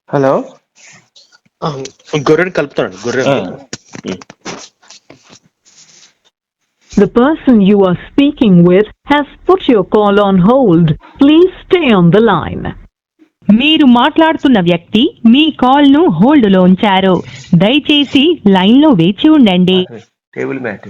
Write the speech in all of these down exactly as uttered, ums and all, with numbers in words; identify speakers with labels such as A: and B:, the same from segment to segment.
A: Hello గొర్రెని కలుపుతానండి గొర్రెని.
B: The person you are speaking with has put your call on hold. Please stay on the line.
C: మీరు మాట్లాడుతున్న వ్యక్తి మీ కాల్ ను హోల్డ్ లో ఉంచారు. దయచేసి లైన్ లో వేచి ఉండండి.
A: Table mat.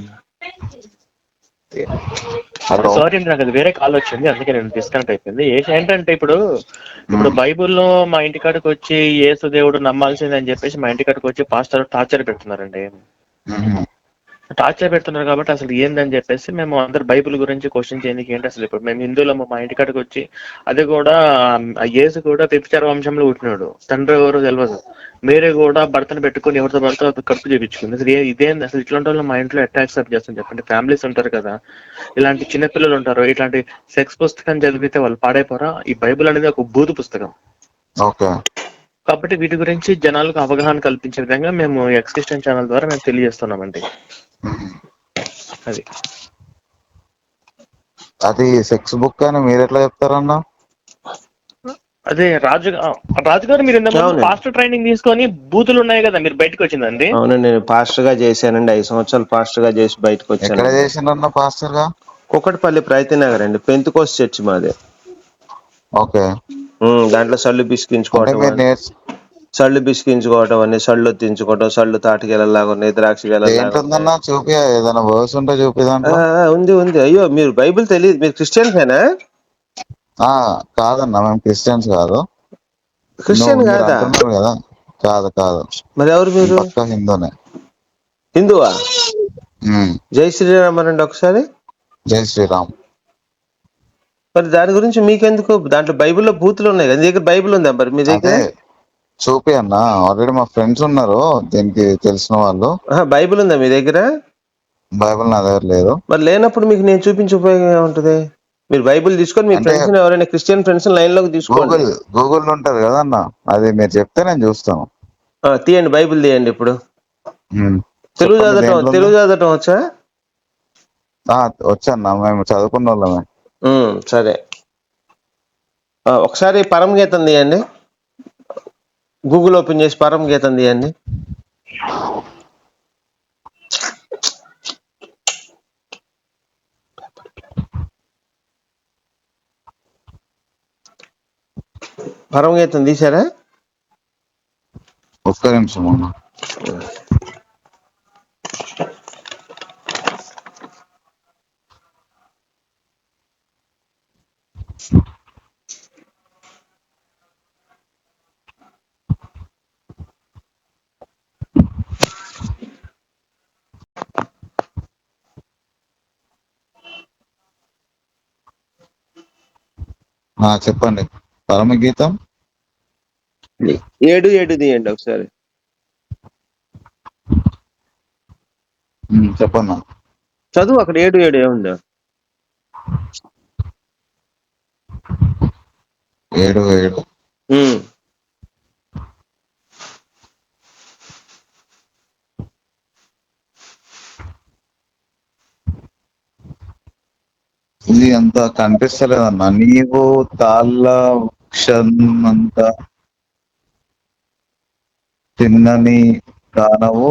D: హలో
A: సారీ అండి, నాకు అది వేరే కాల్ వచ్చింది, అందుకే నేను డిస్కనెక్ట్ అయిపోయింది. ఏంటంటే ఇప్పుడు ఇప్పుడు బైబుల్లో మా ఇంటికాడికి వచ్చి యేసు దేవుడు నమ్మాల్సిందే అని చెప్పేసి మా ఇంటికాడికి వచ్చి పాస్టర్ టార్చర్ పెడుతున్నారండి. టార్చర్ పెడుతున్నారు కాబట్టి అసలు ఏందని చెప్పేసి మేము అందరు బైబిల్ గురించి క్వశ్చన్ చేయడానికి ఏంటి అసలు. ఇప్పుడు మేము హిందువులము, మా ఇంటికాడికి వచ్చి అది కూడా ఆ యేసు కూడా వ్యభిచార వంశంలో పుట్టినాడు, తండ్రి ఎవరో తెలియదు. మీరే కూడా భర్తను పెట్టుకుని ఎవరితో భర్త కడుపు చేయించుకుంది. అసలు ఇదేంది అసలు? ఇట్లాంటి వాళ్ళు మా ఇంట్లో ఎట్లా యాక్సెప్ట్ చేస్తాను చెప్పండి? ఫ్యామిలీస్ ఉంటారు కదా, ఇలాంటి చిన్నపిల్లలు ఉంటారు, ఇట్లాంటి సెక్స్ పుస్తకం చదివితే వాళ్ళు పాడైపోరా? ఈ బైబిల్ అనేది ఒక బూతు పుస్తకం.
D: ఓకే,
A: కాబట్టి వీటి గురించి జనాలకు అవగాహన కల్పించే విధంగా మేము ఎక్స్ క్రిస్టియన్ ఛానల్ ద్వారా మేము తెలియజేస్తున్నామండి. అది
D: అది సెక్స్ బుక్ అని మీరు ఎట్లా చెప్తారన్నా?
A: అదే రాజు రాజుగారు, మీరు ఇంతకుముందు పాస్టర్ ట్రైనింగ్ తీసుకొని బూతులు ఉన్నాయి కదా, మీరు బయటకు వచ్చిందండి.
E: అవునండి, నేను పాస్టర్ గా చేశానండి. ఐదు సంవత్సరాలు పాస్టర్ గా చేసి బయటకు వచ్చాను.
D: ఎక్కడ చేసిండ్రన్న పాస్టర్ గా?
E: కుకట్పల్లి ప్రయత్న నగర్ అండి, పెంతుకోస్ చర్చి మాది.
D: ఓకే,
E: దాంట్లో సళ్ళు బిసికించుకోవటం,
D: నేర్చు
E: సళ్ళు బిసికించుకోవటం అని, సళ్ళు తించుకోవటం, సళ్ళు తాటికెళ్ళలాగా ఉన్నాయి, ద్రాక్ష
D: ఏంటుందన్నా చూపి, ఏదైనా వర్స్ ఉంటే చూపి. దాంట్లో
E: ఉంది ఉంది. అయ్యో, మీరు బైబిల్ తెలియదు, మీరు క్రిస్టియన్సేనా?
D: కాదన్నా, మేము క్రిస్టియన్స్ కాదు.
E: క్రిస్టియన్ కాదా?
D: కదా, కాదు కాదు.
E: మరి ఎవరు మీరు?
D: పక్కా హిందూనే.
E: హిందువా? జై శ్రీరామ్ అనండి ఒకసారి.
D: జై శ్రీరామ్.
E: మరి దాని గురించి మీకెందుకు? దాంట్లో బైబిల్లో బూతులు ఉన్నాయి కదా, మీ దగ్గర బైబిల్ ఉందా మరి మీ దగ్గర?
D: చూపి అన్న, ఆల్రెడీ మా ఫ్రెండ్స్ ఉన్నారు దీనికి తెలిసిన వాళ్ళు.
E: బైబిల్ ఉందా మీ దగ్గర?
D: బైబిల్ నా దగ్గర లేదు.
E: మరి లేనప్పుడు మీకు నేను చూపించే ఉపయోగం ఏముంటది? మీరు బైబిల్ తీసుకొని మీ ఫ్రెండ్స్ ఎవరైనా క్రిస్టియన్ ఫ్రెండ్స్ లైన్ లోకి తీసుకోండి.
D: గూగుల్ గూగుల్ ఉంటది కదా అన్న, అది మీరు చెప్తే నేను చూస్తాను.
E: తీయండి, బైబిల్ తీయండి. ఇప్పుడు తెలుగు చదవటం తెలుగు చదవటం వచ్చా?
D: వచ్చన్నా, మేము చదువుకున్న వాళ్ళమే.
E: సరే, ఒకసారి పరమ గీతం తీయండి. గూగుల్ ఓపెన్ చేసి పరమ గీతం తీయండి. పరమ గీతం తీసారా?
D: ఒక్క నిమిషం అన్న. చెప్పండి. పరమగీతం
E: ఏడు ఏడు తీయండి ఒకసారి.
D: చెప్పన్నా,
E: చదువు అక్కడ. ఏడు ఏడు ఏముందా?
D: ఏడు ఏడు ఇది అంత కనిపిస్తలేదన్నా. నీవు తాళ్ళ వృక్షమంత తిన్నని దానవు,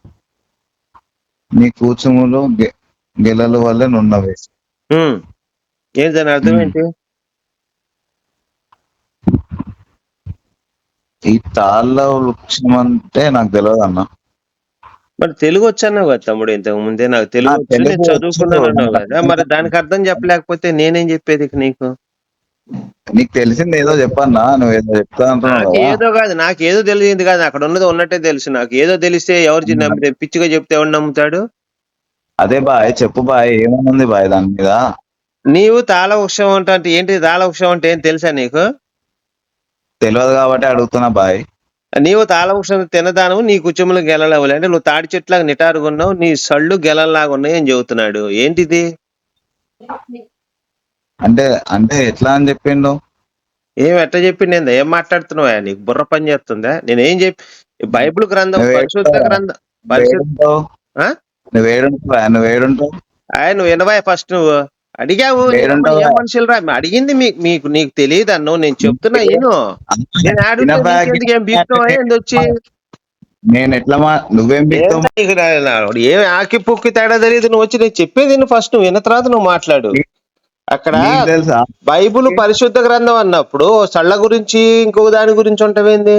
D: నీ కూచుములు గెలల వల్లే నున్నవి.
E: ఏంటి దాని అర్థం ఏంటి?
D: ఈ తాళ్ళ వృక్షం అంటే నాకు తెలియదు అన్న.
E: మరి తెలుగు వచ్చాన్నావు కదా తమ్ముడు, ఇంతకు ముందే. నాకు తెలుగు వచ్చి నేను చదువుకున్నాను అన్నావు కదా, మరి దానికి అర్థం చెప్పలేకపోతే నేనేం చెప్పేది నీకు?
D: నీకు తెలిసింది ఏదో చెప్పన్నా, నువ్వు ఏదో చెప్తా అంటున్నావు.
E: ఏదో కాదు, నాకు ఏదో తెలియదు కాదు, అక్కడ ఉన్నది ఉన్నట్టే తెలుసు. నాకు ఏదో తెలిస్తే ఎవరు నమ్మితే, పిచ్చిగా చెప్తే ఎవరు నమ్ముతాడు?
D: అదే బాయ్, చెప్పు బాయ్, ఏమనుంది బాయ్ దాని మీద? నీవు
E: తాళ వృక్షం అంటే ఏంటి? తాళ వృక్షం అంటే ఏం తెలుసా నీకు?
D: తెలియదు కాబట్టి అడుగుతున్నా బాయ్.
E: నీవు తాళ వృక్షం తినదాను, నీ కుచములు గెలలేవు అంటే నువ్వు తాడి చెట్లాగా నిటారుగా ఉన్నావు, నీ సళ్ళు గెలలాగా ఉన్నాయి అని చెబుతున్నాడు. ఏంటిది?
D: అంటే అంటే ఎట్లా అని చెప్పిండు?
E: ఏం ఎట్లా చెప్పిండు? ఏందా ఏం మాట్లాడుతున్నావా? నీకు బుర్ర పని చేస్తుందా? నేనేం చెప్పి బైబిల్ గ్రంథం, పరిశుద్ధ గ్రంథం, పరిశుద్ధ
D: నువ్వేడుంటావు నువ్వేడుంటావు
E: ఆయన నువ్వు వినవా ఫస్ట్. నువ్వు అడిగావు ఏం మనుషులు రా అడిగింది మీకు మీకు నీకు తెలియదు అన్ను నేను చెప్తున్నా ఈను నేను అడిగితే నీకెందుకు ఏం బీక్తావా ఏంది వచ్చి
D: నేను ఎట్లా మా నువ్వేం
E: నీకు ఏం ఆకి పుక్కి తేడా తెలియదు నువ్వు వచ్చి నేను చెప్పేది నువ్వు ఫస్ట్ నువ్వు విన్న తర్వాత నువ్వు మాట్లాడు. అక్కడ
D: తెలుసా
E: బైబుల్ పరిశుద్ధ గ్రంథం అన్నప్పుడు సళ్ళ గురించి ఇంకొక దాని గురించి ఉంటావేంది?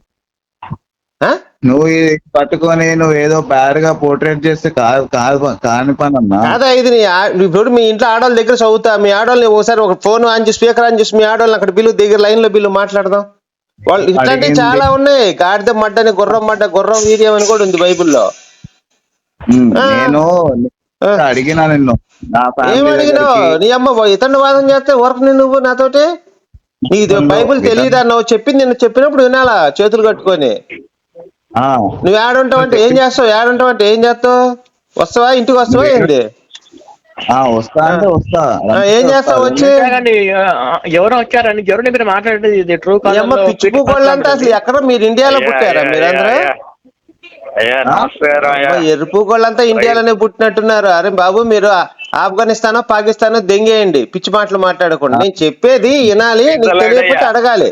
D: నువ్వు పట్టుకొని నువ్వు ఏదో బ్యాడ్ గా పోర్ట్రేట్ చేస్తే కాదు కాదు కాని పని అన్నా
E: కాదా ఇది నీ ఇప్పుడు మీ ఇంట్లో ఆడవాళ్ళ దగ్గర చదువుతా మీ ఆడవాళ్ళని ఒకసారి ఒక ఫోన్ ఆన్ చేసి స్పీకర్ ఆన్ చేసి మీ ఆడవాళ్ళని అక్కడ బిల్లు దగ్గర లైన్ లో బిల్లు మాట్లాడదాం. వాళ్ళు ఇట్లాంటివి చాలా ఉన్నాయి. గాడిద మడ్డని గుర్రం మడ్డ గుర్రం వీర్యం అని కూడా ఉంది బైబుల్లో.
D: నేను అడిగినా నిన్ను
E: ఏం అడిగినావు? నీ అమ్మ ఇతను వాదం చేస్తే వర్క్ నువ్వు నాతోటి నీకు బైబుల్ తెలియదు అన్నావు చెప్పింది నిన్ను చెప్పినప్పుడు వినాలా చేతులు కట్టుకొని. నువ్వు ఏడుంటావు అంటే ఏం చేస్తావు? ఏడుంటావు అంటే ఏం చేస్తావు? వస్తావా ఇంటికి వస్తావా ఏంది?
D: వస్తా అంటే వస్తా
E: ఏం చేస్తావు వచ్చి?
A: ఎవరో వచ్చారని ఎవరు మీరు మాట్లాడేది ట్రూ కాదు.
E: పిచ్చిపోకోళ్ళంతా అసలు ఎక్కడ మీరు ఇండియాలో పుట్టారా మీరందరూ? ఎరుపుకోళ్ళంతా ఇండియాలోనే పుట్టినట్టున్నారు. అరే బాబు మీరు ఆఫ్ఘనిస్తానో పాకిస్తానో దెంగేయండి పిచ్చి మాటలు మాట్లాడకుండా. నేను చెప్పేది వినాలి నీకు తెలియకపోతే అడగాలి.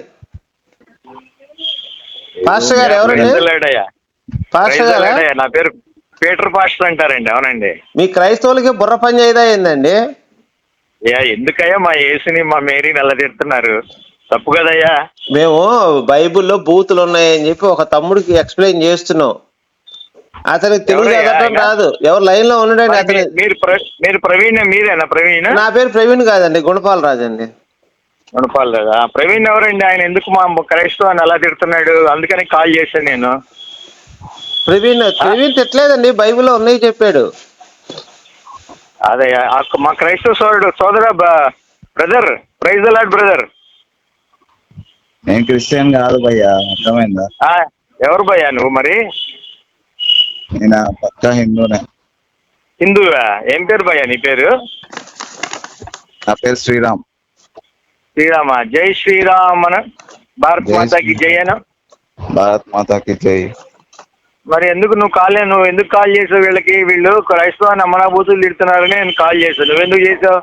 E: పాస్టర్ గారు ఎవరండి? పాస్టర్ గారా?
F: నా పేరు పీటర్ పాస్టర్ అంటారండి. అవునండి.
E: మీ క్రైస్తవులకి బుర్ర పని చేయదా ఏందండి?
F: ఎందుకయ్యా మా యేసుని మా మేరీని ఎలా తిడుతున్నారు? తప్పు కదయ్యా.
E: మేము బైబుల్లో బూతులు ఉన్నాయని చెప్పి ఒక తమ్ముడికి ఎక్స్ప్లెయిన్ చేస్తున్నాం. అతనికి తెలుగు చదవటం రాదు. ఎవరు లైన్ లో ఉండండి. అతని
F: మీరు ప్రవీణ్ మీరేనా? ప్రవీణ్?
E: నా పేరు ప్రవీణ్ కాదండి, గుణపాల్ రాజు అండి.
F: గుణపాల్ రాజా? ప్రవీణ్ ఎవరండి? ఆయన ఎందుకు మా క్రైస్తవాన్ని అలా తిడుతున్నాడు? అందుకని కాల్ చేశాను నేను.
E: ప్రవీణ్ ప్రవీణ్ తిట్టలేదండి, బైబిల్లో ఉన్నాయి చెప్పాడు.
F: అదే మా క్రైస్తవ సోదరుడు సోదర brother praise the lord brother.
D: నేను క్రిస్టియన్ కాదు భయ్యా, అర్థమైందా?
F: ఎవరు భయ్యా నువ్వు మరి?
D: నేను పక్కా హిందూనే.
F: హిందువా? ఏం పేరు భయ్యా నీ పేరు?
D: నా పేరు శ్రీరామ్.
F: శ్రీరామ. జై శ్రీరామ్ అన. భారత్ మాతాకి జై అన.
D: భారత్ మాతాకి జై.
F: మరి ఎందుకు నువ్వు కాల్ నువ్వు ఎందుకు కాల్ చేసావు వీళ్ళకి? వీళ్ళు క్రైస్తవాన్ని అమ్మనాభూతులు తిడుతున్నారని నేను కాల్ చేశాను. నువ్వెందుకు చేసావు?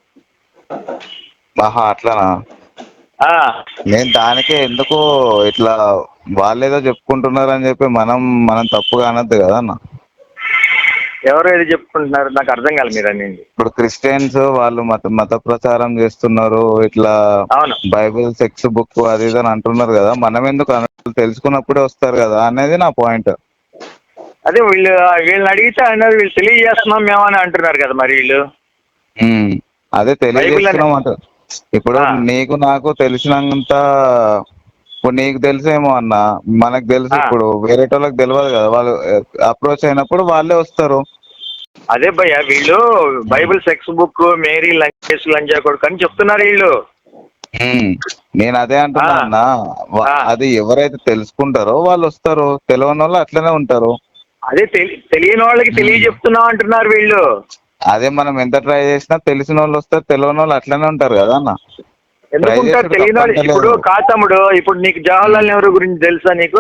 D: ఆహా అట్లానా? నేను దానికే ఎందుకు ఇట్లా వాళ్ళేదో చెప్పుకుంటున్నారు అని చెప్పి మనం మనం తప్పుగా అనద్దు కదా అన్న.
F: ఎవరు ఏది చెప్పుకుంటున్నారు నాకు అర్థం కాదు మీరు అనేది.
D: ఇప్పుడు క్రిస్టియన్స్ వాళ్ళు మత మత ప్రచారం చేస్తున్నారు, ఇట్లా బైబిల్ సెక్స్ బుక్ అది ఇది అని అంటున్నారు కదా, మనం ఎందుకు తెలుసుకున్నప్పుడే వస్తారు కదా అనేది నా పాయింట్.
F: అదే వీళ్ళు వీళ్ళని అడిగితే అన్నారు వీళ్ళు తెలియజేస్తున్నాం మేమని అంటున్నారు కదా మరి వీళ్ళు.
D: అదే తెలియజేస్తున్నాం అంటారు. ఇప్పుడు నీకు నాకు తెలిసినంత ఇప్పుడు నీకు తెలిసేమో అన్న, మనకు తెలుసు. ఇప్పుడు వేరే వాళ్ళకి తెలియదు కదా, వాళ్ళు అప్రోచ్ అయినప్పుడు వాళ్ళే వస్తారు.
F: అదే భయ్య వీళ్ళు బైబిల్ సెక్స్ బుక్ మేరీ లంచేస్ లంజా కొడుకు అని చెప్తున్నారు వీళ్ళు.
D: నేను అదే అంటున్నా అన్న, అది ఎవరైతే తెలుసుకుంటారో వాళ్ళు వస్తారు, తెలియని వాళ్ళు అట్లనే ఉంటారు.
F: అదే తెలియని వాళ్ళకి తెలియజెప్తున్నాం అంటున్నారు వీళ్ళు.
D: అదే మనం ఎంత ట్రై చేసినా తెలిసిన వాళ్ళు వస్తారు, తెలియని వాళ్ళు అట్లనే ఉంటారు కదా అన్న.
F: ఎందుకుంటారు తెలియని వాళ్ళు? ఇప్పుడు కాతమ్ముడు ఇప్పుడు నీకు జవహర్లాల్ నెహ్రూ గురించి తెలుసా? నీకు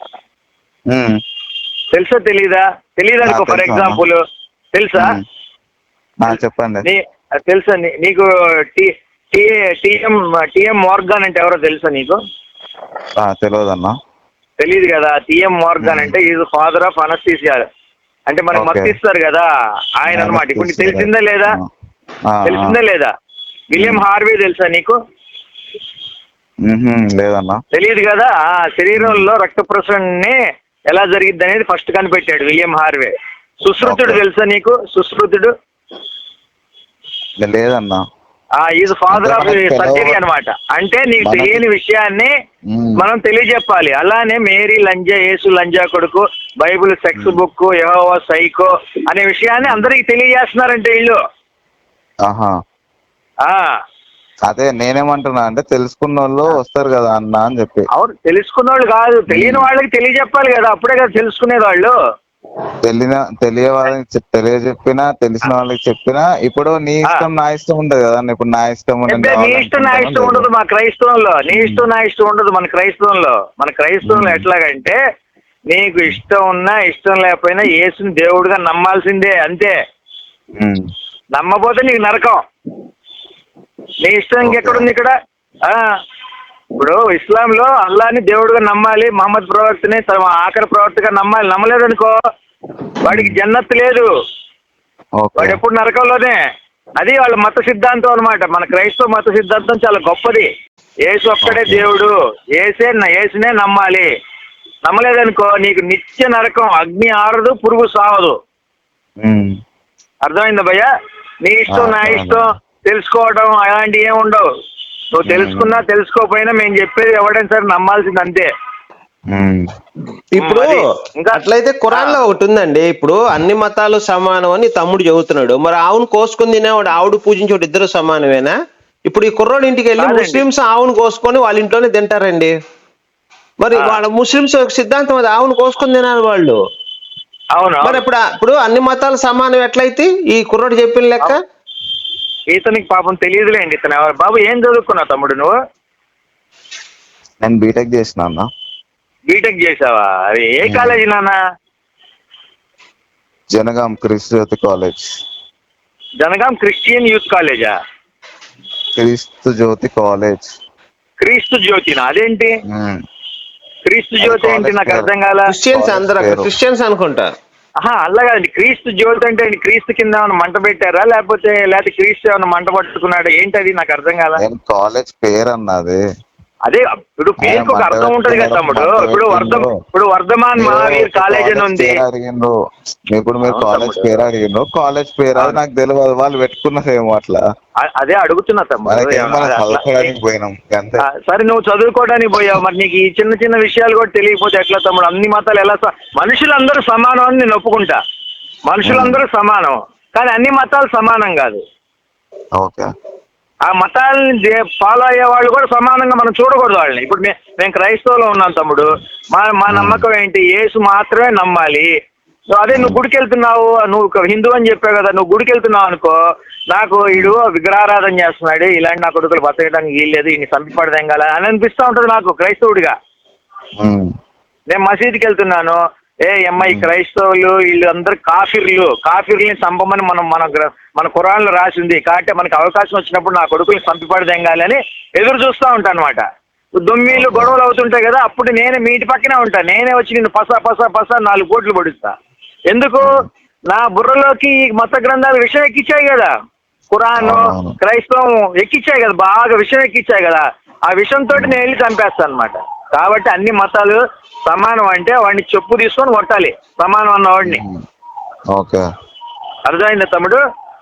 F: తెలుసా తెలీదా? తెలీదా నీకు? ఫర్ ఎగ్జాంపుల్ తెలుసా?
D: చెప్పండి.
F: తెలుసా నీకు? టిఎం టిఎం మోర్గాన్ అంటే ఎవరో తెలుసా నీకు?
D: తెలియదన్నా.
F: తెలీదు కదా? టిఎం మోర్గాన్ అంటే ఈజ్ ఫాదర్ ఆఫ్ అనస్థీసియా, అంటే మనకు మత్తిస్తారు కదా ఆయన అనమాట. ఇప్పుడు నీకు తెలిసిందా లేదా? తెలిసిందా లేదా? విలియం హార్వే తెలుసా నీకు?
D: లేదన్నా.
F: తెలియదు కదా? శరీరంలో రక్త ప్రసరణని ఎలా జరిగిద్ది అనేది ఫస్ట్ కనిపెట్టాడు విలియం హార్వే. సుశ్రుతుడు తెలుసా నీకు? సుశ్రుతుడు
D: లేదన్నా.
F: ఈజ్ ఫాదర్ ఆఫ్ సర్జరీ అనమాట. అంటే నీకు తెలియని విషయాన్ని మనం తెలియజెప్పాలి. అలానే మేరీ లంజా, యేసు లంజా కొడుకు, బైబిల్ సెక్స్ బుక్, యెహోవా సైకో అనే విషయాన్ని అందరికి తెలియజేస్తున్నారంటే వీళ్ళు.
D: అదే నేనేమంటున్నా అంటే తెలుసుకున్న వాళ్ళు వస్తారు కదా అన్న అని చెప్పి.
F: అవును, తెలుసుకున్న వాళ్ళు కాదు, తెలియని వాళ్ళకి తెలియజెప్పాలి కదా, అప్పుడే కదా తెలుసుకునేది వాళ్ళు.
D: తెలియన తెలియ వాళ్ళకి తెలియజెప్పినా తెలిసిన వాళ్ళకి చెప్పినా ఇప్పుడు నీ ఇష్టం నా ఇష్టం ఉండదు కదా. ఇప్పుడు నా ఇష్టం
F: నీ ఇష్టం నా ఇష్టం ఉండదు మా క్రైస్తవంలో. నీ ఇష్టం నా ఇష్టం ఉండదు మన క్రైస్తవంలో. మన క్రైస్తవంలో ఎట్లాగంటే నీకు ఇష్టం ఉన్నా ఇష్టం లేకపోయినా యేసుని దేవుడుగా నమ్మాల్సిందే అంతే. నమ్మపోతే నీకు నరకం. నీ ఇష్టం ఇంకెక్కడుంది ఇక్కడ? ఆ ఇప్పుడు ఇస్లాంలో అల్లాని దేవుడుగా నమ్మాలి, మహమ్మద్ ప్రవక్తని తమ ఆఖరి ప్రవక్తగా నమ్మాలి. నమ్మలేదనుకో వాడికి జన్నత్ లేదు, వాడు ఎప్పుడు నరకంలోనే. అది వాళ్ళ మత సిద్ధాంతం అన్నమాట. మన క్రైస్తవ మత సిద్ధాంతం చాలా గొప్పది. యేసు ఒక్కడే దేవుడు, ఏసే ఏసునే నమ్మాలి. నమ్మలేదనుకో నీకు నిత్య నరకం, అగ్ని ఆరదు, పురుగు సావదు. అర్థమైందా భయ్యా? నీ ఇష్టం నా ఇష్టం తెలుసుకోవడం అలాంటివి ఏమి ఉండవు. నువ్వు తెలుసుకున్నా తెలుసుకోకపోయినా మేము చెప్పేది ఎవడైనా సరే నమ్మాల్సింది అంతే.
E: ఇప్పుడు అట్లయితే ఖురాన్ లో ఒకటి ఉందండి, ఇప్పుడు అన్ని మతాలు సమానం అని తమ్ముడు చెబుతున్నాడు. మరి ఆవును కోసుకుని తినేవాడు ఆవుడు పూజించేవాడు ఇద్దరు సమానమేనా? ఇప్పుడు ఈ కుర్రోడి ఇంటికి వెళ్ళి ముస్లింస్ ఆవును కోసుకొని వాళ్ళ ఇంట్లోనే తింటారండి. మరి వాళ్ళ ముస్లింస్ సిద్ధాంతం అది, ఆవును కోసుకొని తినాలి వాళ్ళు.
F: అవును.
E: మరి ఇప్పుడు ఇప్పుడు అన్ని మతాలు సమానం ఎట్లయితే ఈ కుర్రోడు చెప్పిన లెక్క?
F: ఇతనికి పాపం తెలియదులేండి. ఇతను ఎవరు బాబు? ఏం చదువుకున్నావు తమ్ముడు నువ్వు?
D: నేను బీటెక్ చేసిన అన్న.
F: బీటెక్ చేసావా? అది ఏ కాలేజీ నాన్న?
D: Jangaon Kreestu Jyoti college.
F: Jangaon Christian youth కాలేజా?
D: క్రీస్తు జ్యోతి కాలేజ్.
F: క్రీస్తు జ్యోతినా? అదేంటి క్రీస్తు జ్యోతి ఏంటి? నాకు అర్థం కాల.
E: క్రిస్టియన్స్ అందరూ క్రిస్టియన్స్ అనుకుంటా.
F: ఆహా అలాగండి. క్రీస్తు జ్యోతి అంటే క్రీస్తు కింద ఏమైనా మంట పెట్టారా, లేకపోతే లేకపోతే క్రీస్తు ఏమైనా మంట పట్టుకున్నాడా ఏంటి? అది నాకు అర్థం కాల.
D: కాలేజ్ పేరు అన్నది.
F: అదే ఇప్పుడు పేరుకి ఒక అర్థం ఉంటది కదా తమ్ముడు. ఇప్పుడు వర్ధ ఇప్పుడు వర్ధమాన్ మహావీర్ కాలేజ్ అని ఉంది.
D: అడిగిండ్రు ఇప్పుడు మీరు కాలేజ్ పేరు అడిగిండ్రు, కాలేజ్ పేరు అది నాకు తెలియదు, వాళ్ళు పెట్టుకున్నారేమో అట్లా.
F: అదే అడుగుతున్నా తమ్ముడు.
D: పోయినాం.
F: సరే నువ్వు చదువుకోవడానికి పోయావు, మరి నీకు ఈ చిన్న చిన్న విషయాలు కూడా తెలియకపోతే ఎట్లా తమ్ముడు? అన్ని మతాలు ఎలా మనుషులందరూ సమానం అని నేను ఒప్పుకుంటా. మనుషులందరూ సమానం, కానీ అన్ని మతాలు సమానం కాదు.
D: ఓకే.
F: ఆ మతాలని ఫాలో అయ్యే వాళ్ళు కూడా సమానంగా మనం చూడకూడదు వాళ్ళని. ఇప్పుడు మేము క్రైస్తవులో ఉన్నాం తమ్ముడు, మా మా నమ్మకం ఏంటి? యేసు మాత్రమే నమ్మాలి. అదే నువ్వు గుడికి వెళ్తున్నావు, నువ్వు హిందూ అని చెప్పావు కదా, నువ్వు గుడికి వెళ్తున్నావు అనుకో, నాకు వీడు విగ్రహారాధన చేస్తున్నాడు, ఇలాంటి నా కొడుకులు బతకడానికి వీల్లేదు, ఈయన చంపిపడదేం కదా అని అనిపిస్తూ ఉంటుంది నాకు క్రైస్తవుడిగా. నేను మసీదుకి వెళ్తున్నాను, ఏ అమ్మాయి క్రైస్తవులు వీళ్ళు అందరు కాఫిర్లు, కాఫిర్లని చంపమని మనం మన మన ఖురాన్లో రాసింది కాబట్టి మనకి అవకాశం వచ్చినప్పుడు నా కొడుకుని చంపిపడదెంగాలి అని ఎదురు చూస్తూ ఉంటాను అనమాట. దొమ్మిలు గొడవలు అవుతుంటాయి కదా, అప్పుడు నేనే మీ ఇంటి పక్కనే ఉంటాను, నేనే వచ్చి నిన్ను పసా పసా పసా నాలుగు కోట్లు పడుస్తా. ఎందుకు? నా బుర్రలోకి మత గ్రంథాలు విషయం ఎక్కించాయి కదా, ఖురాను క్రైస్తవం ఎక్కించాయి కదా, బాగా విషయం ఎక్కించాయి కదా, ఆ విషయంతో నేను వెళ్ళి చంపేస్తాను అనమాట. కాబట్టి అన్ని మతాలు సమానం అంటే వాడిని చెప్పు తీసుకొని కొట్టాలి, సమానం అన్న వాడిని. అర్థమైందా తమ్ముడు?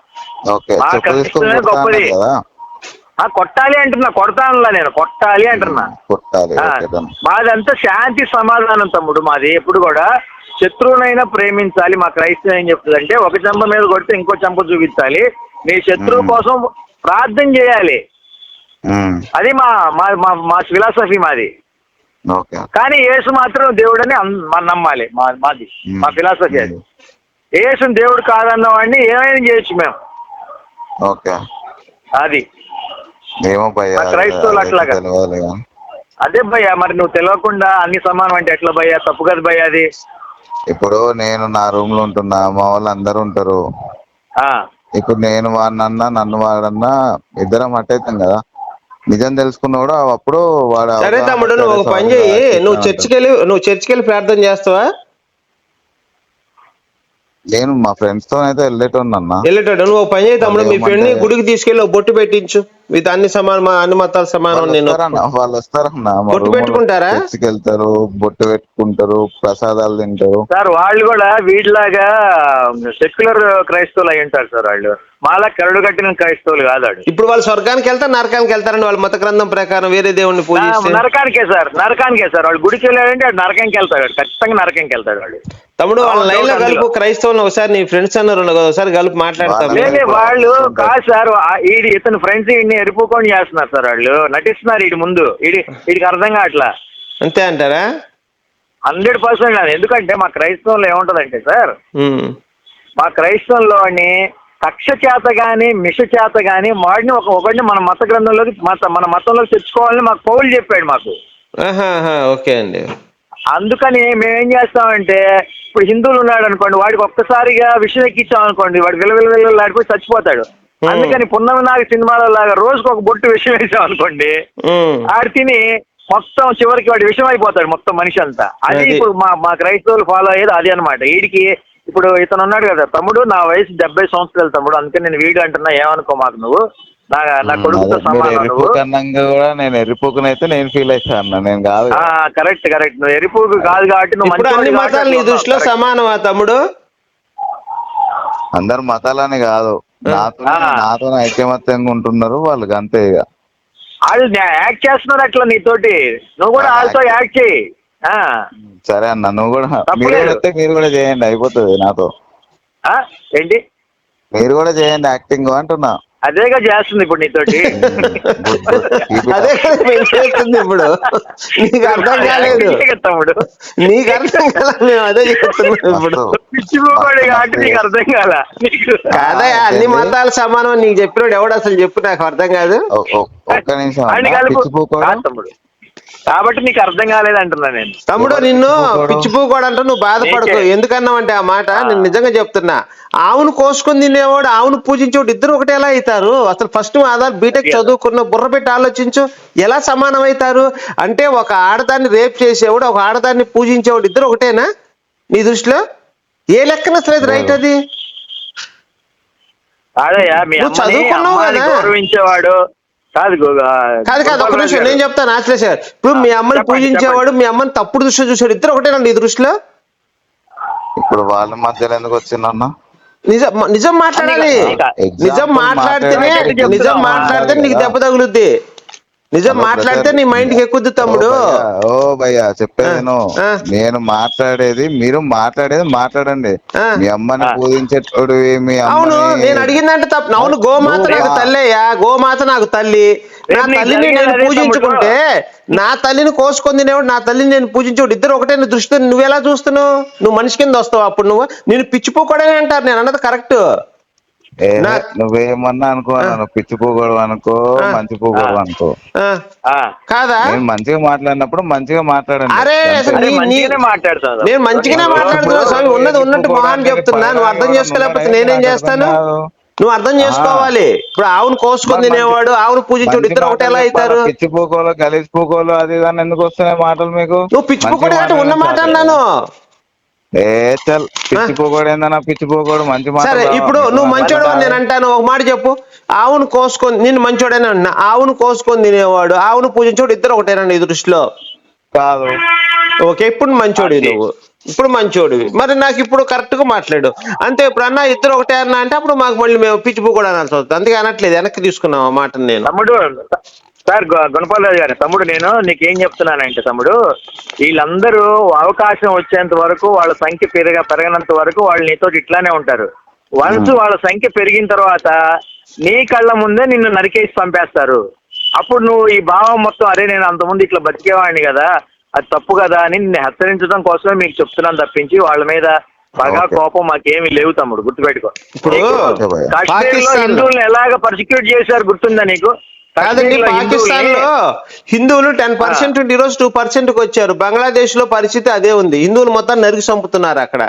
F: గొప్పది కొట్టాలి అంటున్నా, కొడతానులా నేను, కొట్టాలి అంటున్నా. మాదంతా శాంతి సమాధానం తమ్ముడు. మాది ఎప్పుడు కూడా శత్రువునైనా ప్రేమించాలి. మా క్రైస్తవం ఏం చెప్తుందంటే ఒక చెంప మీద కొడితే ఇంకో చెంప చూపించాలి, నీ శత్రువు కోసం ప్రార్థన చేయాలి. అది మా మా ఫిలాసఫీ మాది. కానీ యేసు మాత్రం దేవుడని నమ్మాలి, మా మాది మా ఫిలాసఫీ అది. యేసుని దేవుడు కాదన్న వాడిని ఏమైనా చేయొచ్చు మేము. అది క్రైస్తవులు అట్లాగా. అదే భయ్యా, మరి నువ్వు తెలియకుండా అన్ని సమానం అంటే ఎట్లా భయ్యా? తప్పు కదా భయ్యా అది.
D: ఇప్పుడు నేను నా రూమ్ లో ఉంటున్నా, మా వాళ్ళు అందరు ఉంటారు, ఇప్పుడు నేను వాడినన్నా నన్ను వాడన్నా ఇద్దరం అట్టయితాం కదా. నిజం తెలుసుకున్నాడు అప్పుడు వాడు.
E: సరే తమ్ముడు, నువ్వు ఒక పని చెయ్యి, నువ్వు చర్చికి వెళ్ళి నువ్వు చర్చికి వెళ్ళి ప్రార్థన చేస్తావా?
D: నేను మా ఫ్రెండ్స్ తో అయితే వెళ్ళేటోన్నా.
E: వెళ్ళేటోడు నువ్వు పని చేయి తమ్ముడు, మీ ఫ్రెండ్ ని గుడికి తీసుకెళ్ళి బొట్టు పెట్టించు, ఇది అన్ని సమానం, అన్ని మతాలు సమానం. నేను
D: వాళ్ళు వస్తారన్నా,
E: బొట్టు పెట్టుకుంటారా?
D: చర్చికి వెళ్తారు, బొట్టు పెట్టుకుంటారు, ప్రసాదాలు తింటారు.
F: సార్ వాళ్ళు కూడా వీటిలాగా సెక్యులర్ క్రైస్తవులు అయి ఉంటారు సార్. వాళ్ళు మాలా కరడు కట్టిన క్రైస్తవులు కాదు.
E: ఇప్పుడు వాళ్ళు స్వర్గానికి వెళ్తారు, నరకానికి వెళ్తారండి వాళ్ళ మత గ్రంథం ప్రకారం, వేరే దేవుడిని పూజిస్తే.
F: నరకానికే సార్, నరకానికే సార్. వాళ్ళు గుడికి వెళ్ళాడంటే నరకానికి వెళ్తాడు, ఖచ్చితంగా నరకానికి వెళ్తాడు వాడు.
E: తమ్ముడు వాళ్ళ లైన్ లో కలుపు, క్రైస్తవులు ఒకసారి నీ ఫ్రెండ్స్ అన్నారు ఒకసారి కలిపి మాట్లాడతారు.
F: వాళ్ళు కాదు సార్, ఈడి ఇతను ఫ్రెండ్స్ ఈడిని ఎరుపుకొని చేస్తున్నారు సార్, వాళ్ళు నటిస్తున్నారు ఈడి ముందు, ఈడి వీడికి అర్థం కావట్లా.
E: అంతే అంటారా?
F: హండ్రెడ్ పర్సెంట్ కాదు. ఎందుకంటే మా క్రైస్తవంలో ఏముంటదంటే సార్, మా క్రైస్తవంలోని కక్ష చేత గాని మిష చేత గాని వాడిని ఒక ఒకటిని మన మత గ్రంథంలోకి మత మన మతంలోకి తెచ్చుకోవాలని మాకు పౌలు చెప్పాడు మాకు.
E: ఓకే అండి.
F: అందుకని మేమేం చేస్తామంటే ఇప్పుడు హిందువులు ఉన్నాడు అనుకోండి, వాడికి ఒక్కసారిగా విషయం ఎక్కించాం అనుకోండి, వాడు విల విల విలలాడిపోయి చచ్చిపోతాడు. అందుకని పున్నమి నాగ సినిమాలో లాగా రోజుకు ఒక బొట్టు విషయం వేసాం అనుకోండి, ఆడు తిని మొత్తం చివరికి వాడి విషయం అయిపోతాడు మొత్తం మనిషి అంతా. అది ఇప్పుడు మా మా క్రైస్తవులు ఫాలో అయ్యేది అది అనమాట. వీడికి ఇప్పుడు ఇతను ఉన్నాడు కదా తమ్ముడు, నా వయసు డెబ్బై సంవత్సరాలు తమ్ముడు, అందుకని నేను వీడు అంటున్నా, ఏమనుకో మాకు నువ్వు, నా నా కొడుకుతో సమానం నువ్వు.
D: కూడా నేను ఎరిపోకునైతే నేను ఫీల్ అవుతాను, నేను కాదు.
F: కరెక్ట్ కరెక్ట్ నువ్వు ఎరిపోకు కాదు కాబట్టి నువ్వు
E: అన్ని మతాలు నీ దృష్టిలో సమానమా తమ్ముడు?
D: అందరు మతాలని కాదు, నాతో నాతో ఐక్యమత్యంగా ఉంటున్నారు వాళ్ళకి, అంతే. ఇక
F: వాళ్ళు యాక్ట్ చేస్తున్నారు అట్లా నీతోటి, నువ్వు కూడా వాళ్ళతో యాక్ట్ చేయి.
D: సరే అన్న, నువ్వు కూడా మీరు కూడా వస్తే మీరు కూడా చేయండి, అయిపోతుంది నాతో.
F: ఏంటి
D: మీరు కూడా చేయండి యాక్టింగ్ అంటున్నా.
F: అదేగా చేస్తుంది ఇప్పుడు నీతోటి.
E: అదే చేస్తుంది ఇప్పుడు. నీకు అర్థం కాలేదు తమ్ముడు, నీకు అర్థం కాల, మేము అదే చేస్తున్నాం ఇప్పుడు.
F: పిచ్చిపోయి కాబట్టి నీకు అర్థం కాల.
E: కాదా అన్ని మతాలు సమానం నీకు చెప్పినోడు ఎవడు అసలు చెప్పు, నాకు అర్థం కాదు.
D: ఒక్క నిమిషం
F: తమ్ముడు, కాబట్టి నీకు అర్థం కాలేదు అంటున్నా నేను.
E: తమ్ముడు నిన్ను పిచ్చిపోకూడదు అంటూ నువ్వు బాధపడకు. ఎందుకన్నావంటే ఆ మాట నేను నిజంగా చెప్తున్నా. ఆవును కోసుకొని తినేవాడు, ఆవును పూజించేవాడు ఇద్దరు ఒకటి ఎలా అవుతారు? అసలు ఫస్ట్ ఆధార్ బీటెక్ చదువుకున్న బుర్ర పెట్టి ఆలోచించు, ఎలా సమానం అవుతారు? అంటే ఒక ఆడదాన్ని రేప్ చేసేవాడు, ఒక ఆడదాన్ని పూజించేవాడు ఇద్దరు ఒకటేనా నీ దృష్టిలో? ఏ లెక్కన అసలు రైట్ అది?
F: నువ్వు చదువుకున్నావు కదా, గౌరవించేవాడు కాదు
E: కాదు కాదు ఒక నిమిషం నేను చెప్తాను ఆశ్లేష. ఇప్పుడు మీ అమ్మని పూజించేవాడు మీ అమ్మని తప్పుడు దృష్టిలో చూసాడు, ఇద్దరు ఒకటేనండి ఈ దృష్టిలో?
D: ఇప్పుడు వాళ్ళ మధ్యలో ఎందుకు వచ్చిందన్న?
E: నిజం నిజం మాట్లాడాలి, నిజం మాట్లాడితేనే నిజం మాట్లాడితే నీకు దెబ్బ తగులుద్ది, నిజం మాట్లాడితే నీ మైండ్ కి ఎక్కుద్ది తమ్ముడు.
D: ఓ భయ్యా చెప్పేది నేను మాట్లాడేది, మీరు మాట్లాడేది మాట్లాడండి. మీ అమ్మని పూజించేటోడు మీ
E: అవును నేను అడిగిందంటే తప్పు. అవును గోమాత నాకు తల్లేయా, గోమాత నాకు తల్లి. నా తల్లిని నేను పూజించుకుంటే నా తల్లిని కోసుకొని తినేవాడు, నా తల్లిని నేను పూజించేవాడు ఇద్దరు ఒకటే దృష్టితో నువ్వెలా చూస్తున్నావు? నువ్వు మనిషి కింద వస్తావు అప్పుడు. నువ్వు నేను పిచ్చిపోకూడదని అంటారు, నేను అన్నది కరెక్ట్.
D: నువ్వేమన్నా అనుకో, పిచ్చి పోగొడవు అనుకో, మంచి పోగొడవు అనుకో,
E: కాదా?
D: నేను మంచిగా మాట్లాడినప్పుడు మంచిగా మాట్లాడండి.
E: అరే నేను మంచిగానే మాట్లాడుతున్నా స్వామి, ఉన్నది ఉన్నట్టు మొహాన్ని చెప్తున్నా. నువ్వు అర్థం చేసుకోలేకపోతే నేనేం చేస్తాను? నువ్వు అర్థం చేసుకోవాలి. ఇప్పుడు ఆవును కోసుకొని తినేవాడు, ఆవును పూజించేవాడు ఇద్దరు ఒకటి ఎలా అవుతారు?
D: పిచ్చిపోకోలు కలిసిపోకోలు అది దాన్ని ఎందుకు వస్తున్నాయి మాటలు మీకు?
E: నువ్వు పిచ్చిపోకూడదు అంటే ఉన్న మాట అన్నాను.
D: ఏ చల్ పిచ్చిపోకూడదు ఏందన్నా, పిచ్చిపోకూడదు మంచి మాట.
E: సరే ఇప్పుడు నువ్వు మంచోడు అని నేను అంటాను, ఒక మాట చెప్పు. ఆవును కోసుకొని నేను మంచోడని అన్నా, ఆవును కోసుకొని తినేవాడు ఆవును పూజించేవాడు ఇద్దరు ఒకటేనండి ఈ దృష్టిలో?
D: కాదు.
E: ఓకే ఇప్పుడు మంచోడి నువ్వు, ఇప్పుడు మంచోడివి. మరి నాకు ఇప్పుడు కరెక్ట్ గా మాట్లాడు అంతే. ఇప్పుడు అన్న ఇద్దరు ఒకటే అన్నా అంటే అప్పుడు మాకు మళ్ళీ మేము పిచ్చిపో కూడా అనాల్సి వస్తుంది. అందుకే అనట్లేదు, వెనక్కి తీసుకున్నాం ఆ మాట. నేను
F: తమ్ముడు సార్ గుణపాలరాజు గారు, తమ్ముడు నేను నీకేం చెప్తున్నానంటే తమ్ముడు, వీళ్ళందరూ అవకాశం వచ్చేంత వరకు వాళ్ళ సంఖ్య పెరగ పెరగనంత వరకు వాళ్ళు నీతో ఇట్లానే ఉంటారు. వన్స్ వాళ్ళ సంఖ్య పెరిగిన తర్వాత నీ కళ్ళ ముందే నిన్ను నరికేసి పంపేస్తారు. అప్పుడు నువ్వు ఈ భావం మొత్తం, అరే నేను అంతకుముందు ఇట్లా బతికేవాడిని కదా, అది తప్పు కదా అని నిన్ను హెచ్చరించడం కోసమే మీకు చెప్తున్నాను తప్పించి వాళ్ళ మీద బాగా కోపం మాకేమీ లేవు తమ్ముడు, గుర్తుపెట్టుకో. కాశ్మీర్ లో హిందువులను ఎలాగ పర్సిక్యూట్ చేశారు గుర్తుందా నీకు?
E: కాదండి, పాకిస్తాన్ లో హిందువులు టెన్ పర్సెంట్ ఈ రోజు టూ పర్సెంట్ కి వచ్చారు. బంగ్లాదేశ్ లో పరిస్థితి అదే ఉంది, హిందువులు మొత్తం నరికి చంపుతున్నారు అక్కడ.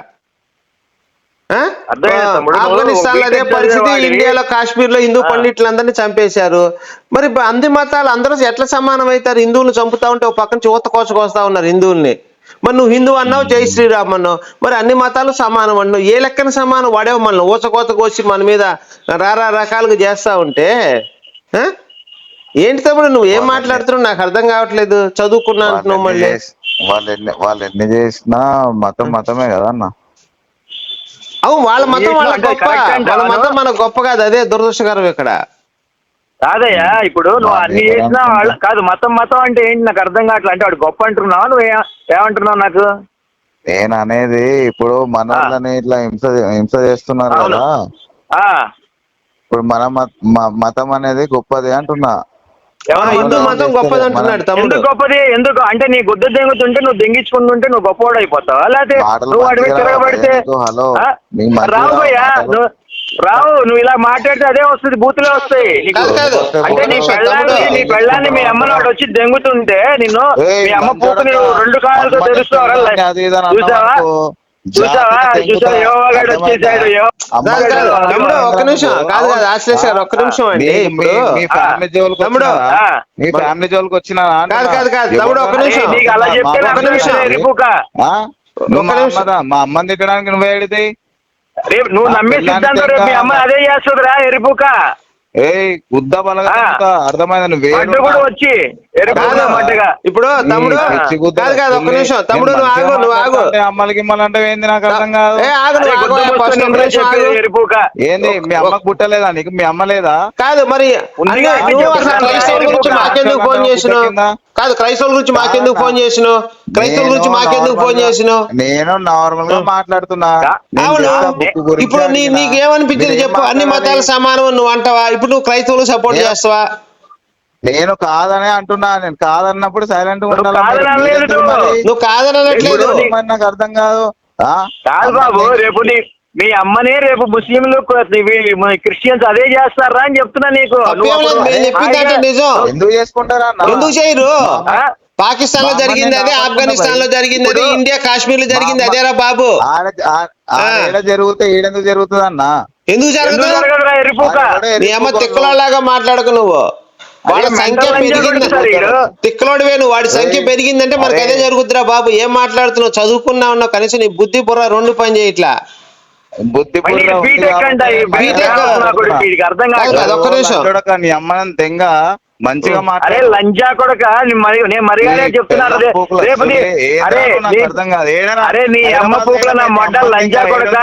E: ఆఫ్ఘనిస్తాన్ లో అదే పరిస్థితి, ఇండియాలో కాశ్మీర్ లో హిందూ పండితులందరినీ చంపేశారు. మరి అన్ని మతాలు అందరూ ఎట్లా సమానం అవుతారు? హిందువులు చంపుతా ఉంటే ఒక పక్కన యువత కోసుకొస్తా ఉన్నారు హిందువుల్ని. మరి నువ్వు హిందూ అన్నావు, జై శ్రీరామ్ అన్నావు, మరి అన్ని మతాలు సమానం అన్నావు. ఏ లెక్కన సమానం? వాడేవో మన ఊచకోత కోసి మన మీద రారా రకాలుగా చేస్తా ఉంటే ఏంటి తమ్ముడు నువ్వు ఏం మాట్లాడుతున్నావు? నాకు అర్థం కావట్లేదు. చదువుకున్నా అంటున్నావు మళ్ళీ.
D: వాళ్ళు ఎన్ని వాళ్ళు ఎన్ని చేసినా మతం మతమే కదా అన్న.
E: అవును వాళ్ళ మతం వాళ్ళ గొప్ప, వాళ్ళ మతం మన గొప్ప కాదు, అదే దురదృష్టకరం ఇక్కడ.
F: కాదయ్యా ఇప్పుడు నువ్వు అన్ని చేసినా వాళ్ళ కాదు. మతం మతం అంటే ఏంటి నాకు అర్థం కావట్లేదు. అంటే వాడు గొప్ప అంటున్నావు, నువ్వు ఏమంటున్నావు నాకు?
D: నేను అనేది ఇప్పుడు మన వాళ్ళని ఇట్లా హింస హింస చేస్తున్నారు కదా, ఇప్పుడు మన మతం అనేది గొప్పది అంటున్నా.
E: హిందూ మతం గొప్పది అంటున్నాడు తమ్ముడు.
F: గొప్పది ఎందుకు అంటే నీ గుద్ద దెంగుతుంటే నువ్వు దెంగించుకుంటుంటే నువ్వు గొప్పవాడు అయిపోతావా? లేకపోతే నువ్వు వాడి మీద తిరగబడితే రాబోయ్యా నువ్వు రావు, నువ్వు ఇలా మాట్లాడితే అదే వస్తుంది, బూతులే వస్తాయి నీకు.
E: కాదు, కాదు.
F: అంటే నీ పెళ్ళాన్ని నీ పెళ్ళాన్ని మీ అమ్మని వాడు వచ్చి దెంగుతుంటే నిన్ను మీ అమ్మ పూపు నువ్వు రెండు కాళ్ళతో తెలుస్తావరా? చూసావా చూసావా చూసావా యెహోవా గారు వచ్చేసాడు.
E: కాదు కాదు తమ్ముడు ఒక్క నిమిషం, కాదు కాదు ఆశ్లేష గారు ఒక్క నిమిషం అండి. ఇప్పుడు తమ్ముడు
D: మీ ఫ్యామిలీ జోలికి వచ్చిన
E: కాదు కాదు కాదు తమ్ముడు ఒక్క నిమిషం,
F: నీకు అలా చెప్తే
E: ఒక్క నిమిషం
D: నువ్వు మా అమ్మ మా అమ్మని తిట్టడానికి నువ్వు ఏడితే
F: రేపు నువ్వు నమ్మే సిద్ధాంతం రేపు మీ అమ్మ అదే చేస్తుందిరా ఎరుపుక.
D: ఏ గుద్ద బలగా అర్థమైంది నువ్వు
F: కూడా వచ్చి
E: ఇప్పుడు తమ్ముడు కాదు కాదు ఒక్క నిమిషం తమ్ముడు నువ్వు ఆగు నువ్వు ఆగు
D: అమ్మలకి ఇమ్మలు అంటే ఏంది నాకు అర్థం కాదు.
F: ఎరుపుక
D: ఏంది మీ అమ్మకు పుట్టలేదా నీకు? మీ అమ్మ లేదా?
E: కాదు మరి క్రైస్తవుల గురించి మాకెందుకు ఫోన్ చేసినావు? కాదు క్రైస్తవుల గురించి మాకెందుకు ఫోన్ చేసినావు? క్రైస్తవుల గురించి మాకెందుకు ఫోన్ చేసినావు?
D: నేను నార్మల్ గా మాట్లాడుతున్నా.
E: అవును, ఇప్పుడు నీ నీకు ఏమనిపించింది చెప్పు? అన్ని మతాలు సమానం నువ్వు అంటావా? ఇప్పుడు నువ్వు క్రైస్తవులు సపోర్ట్ చేస్తావా?
D: నేను కాదనే అంటున్నా. నేను కాదన్నప్పుడు సైలెంట్ గా
E: నువ్వు కాదనట్లేదు,
D: నాకు అర్థం కాదు.
F: కాదు బాబు, రేపు నీ మీ అమ్మనే రేపు ముస్లింలు క్రిస్టియన్స్ అదే చేస్తారా అని చెప్తున్నా నీకు.
E: చెప్పిందంటే నిజం.
D: ఎందుకు చేసుకుంటారా?
E: ఎందుకు చేయరు? పాకిస్తాన్ లో జరిగింది అదే, ఆఫ్ఘనిస్తాన్ లో జరిగింది అదే, ఇండియా కాశ్మీర్ లో జరిగింది అదేరా బాబు.
D: జరిగితే ఈడెందుకు జరుగుతుంది అన్న?
E: ఎందుకు జరుగుతుంది? నీ అమ్మ తిక్కలాగా మాట్లాడకు నువ్వు. వాడి సంఖ్య పెరిగింది, తిక్కలోడివే నువ్వు. వాడి సంఖ్య పెరిగిందంటే మనకు అదే జరుగుతురా బాబు. ఏం మాట్లాడుతున్నావు? చదువుకున్నా ఉన్నావు, కనీసం నీ బుద్ధి బుర్ర రెండు పని చేయట్లా.
D: బుద్ధి
E: ఒక్క నిమిషం
D: నీ అమ్మని తెంగ మంచిగా
F: అరే లంజా కొడక నేను మరిగానే చెప్తున్నాను. అరే అరే నీ అమ్మ పూకుల నా మొడ్డ లంజా కొడక.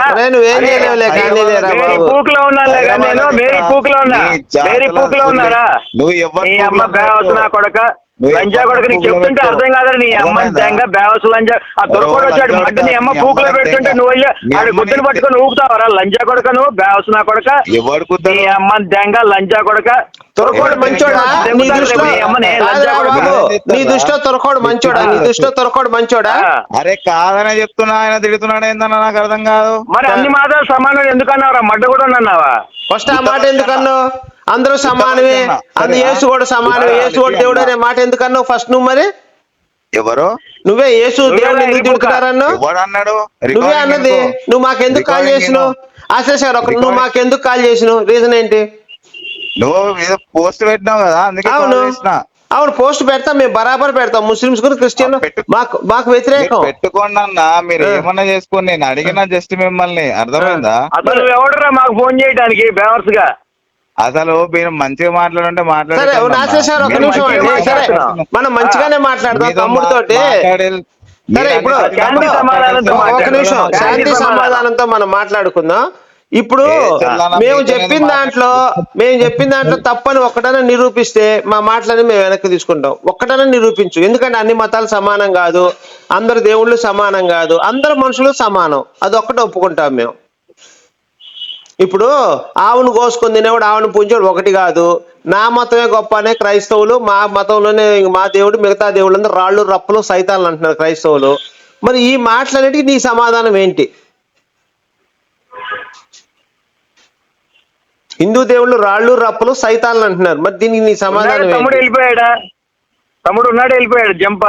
F: పూకులో ఉన్నాలే నేను, మేరీ పూకులో ఉన్నా, మేరీ పూకులో ఉన్నారా? నీ అమ్మ బేవసు నా కొడక, లంజా కొడక. నీకు చెప్తుంటే అర్థం కాదు. నీ అమ్మ దెంగ బేవసు లంజా. ఆ దొరకడు వచ్చాడు మడ్డ నీ అమ్మ పూకులో పెడుతుంటే నువ్వు ఆడు గుడ్డను పట్టుకొని ఊపుతావరా? లంజా కొడక నువ్వు, బేవసు నా కొడక. నీ అమ్మ దెంగ లంజా కొడక.
E: తొరకోడు మంచోడా నీ దృష్టిలో? నీ దృష్టిలో తొరకోడు మంచోడా? నీ దృష్టిలో తొరకోడు మంచోడా?
D: అరే కాదనే చెప్తున్నా, ఆయన తిడుతున్నాడు ఏందన్నా నాకు అర్థం కాదు.
F: మరి అన్ని మాత్రం సమానం ఎందుకన్నావురా? మడ్డ కూడా అన్నావా?
E: ఫస్ట్ ఆ మాట ఎందుకన్నావు? అందరూ సమానమే, అందు యేసు కూడా సమానమే, యేసు కూడా దేవుడు అనే మాట ఎందుకన్నావు ఫస్ట్ నువ్వు? మరి
D: ఎవరు?
E: నువ్వే యేసు దేవుడు ఎందుకు తిడుతున్నారన్నావు? నువ్వే అన్నది. నువ్వు మాకెందుకు కాల్ చేసినావు? ఆశేష్ గారు ఒక నువ్వు మాకెందుకు కాల్ చేసినావు? రీజన్ ఏంటి?
D: నువ్వు పోస్ట్ పెట్టినావు కదా, అందుకే.
E: అవును అవును పోస్ట్ పెడతాం, మేము బరాబర్ పెడతాం. ముస్లిమ్స్ కూడా క్రిస్టియన్ మాకు మాకు వ్యతిరేకం.
D: పెట్టుకోండి అన్న, మీరు ఏమన్నా చేసుకోండి. నేను అడిగిన జస్ట్ మిమ్మల్ని, అర్థమైందా?
F: అసలు ఎవడరా మాకు ఫోన్ చేయడానికి బేవర్స్ గా?
D: అసలు మీరు మంచిగా మాట్లాడుంటే
E: సరే నాశేష్ ఒక నిమిషం అండి. సరే మనం మంచిగానే మాట్లాడదాం తమ్ముడితోటి. సరే ఇప్పుడు ఒక నిమిషం శాంతి సమాధానంతో మనం మాట్లాడుకుందాం. ఇప్పుడు మేము చెప్పిన దాంట్లో మేము చెప్పిన దాంట్లో తప్పని ఒక్కటనే నిరూపిస్తే మా మాటలని మేము వెనక్కి తీసుకుంటాం. ఒక్కటనే నిరూపించు. ఎందుకంటే అన్ని మతాలు సమానం కాదు, అందరు దేవుళ్ళు సమానం కాదు, అందరు మనుషులు సమానం. అది ఒక్కటే ఒప్పుకుంటాం మేము. ఇప్పుడు ఆవును కోసుకొని తినేవాడు ఆవును పూజించాడు ఒకటి కాదు. నా మతమే గొప్ప అనే క్రైస్తవులు, మా మతంలోనే మా దేవుడు మిగతా దేవుళ్ళందరూ రాళ్ళు రప్పలు సైతాన్లు అంటున్నారు క్రైస్తవులు. మరి ఈ మాటలన్నిటికీ నీ సమాధానం ఏంటి? హిందూ దేవుళ్ళు రాళ్ళు రప్పలు సైతాన్లు అంటున్నారు, మరి దీనికి నీ సమాధానం?
F: తమ్ముడు వెళ్ళిపోయాడా? తమ్ముడు ఉన్నాడు, వెళ్ళిపోయాడు. జంప